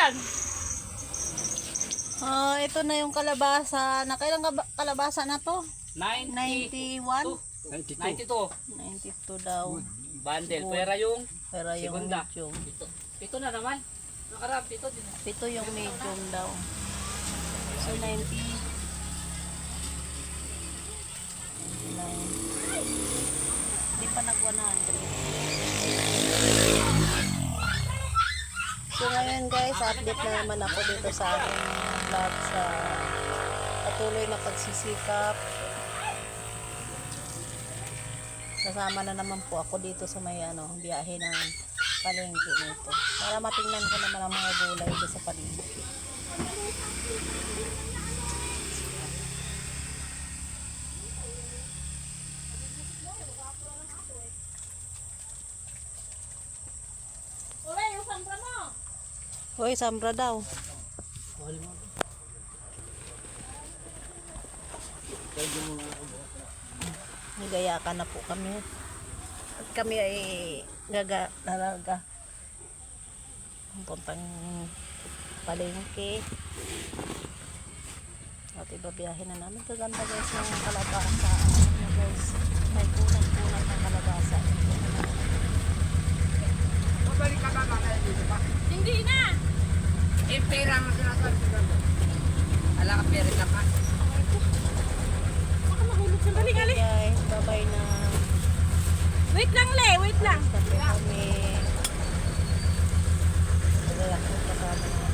dyan? Ito na yung kalabasa. Nakailang kalabasa na to? 90. 91? 92. 92 daw. Bundle. Pera yung Pero yung segunda. medium. Ito na naman. Nakarap, ito din. Ito yung medium daw. So 90. 99. Hindi pa nag 100. So ngayon guys, update na naman ako dito sa aking vlog sa patuloy na pagsisikap. Kasama na naman po ako dito sa may biyahe ng palengke nito. Para matingnan ko naman ang mga gulay dito sa palengke. Hoy, sambra daw. Nagayakan na po kami. At kami ay dalaga. Puntang palengke. At ibabiyahin na namin. Kaganda guys ng kalabasa. Guys, may kunat-kunat ng kalabasa. Mabalik ka ba mga dito pa? Hindi na! Eh, pera ang sinasabi ko. Ala ka pera ka pa. Baka mahulog sa galing, ali. Guys, babay na. Wait lang, Le. Wait lang. Tapos kami. Nagayak po kasama namin.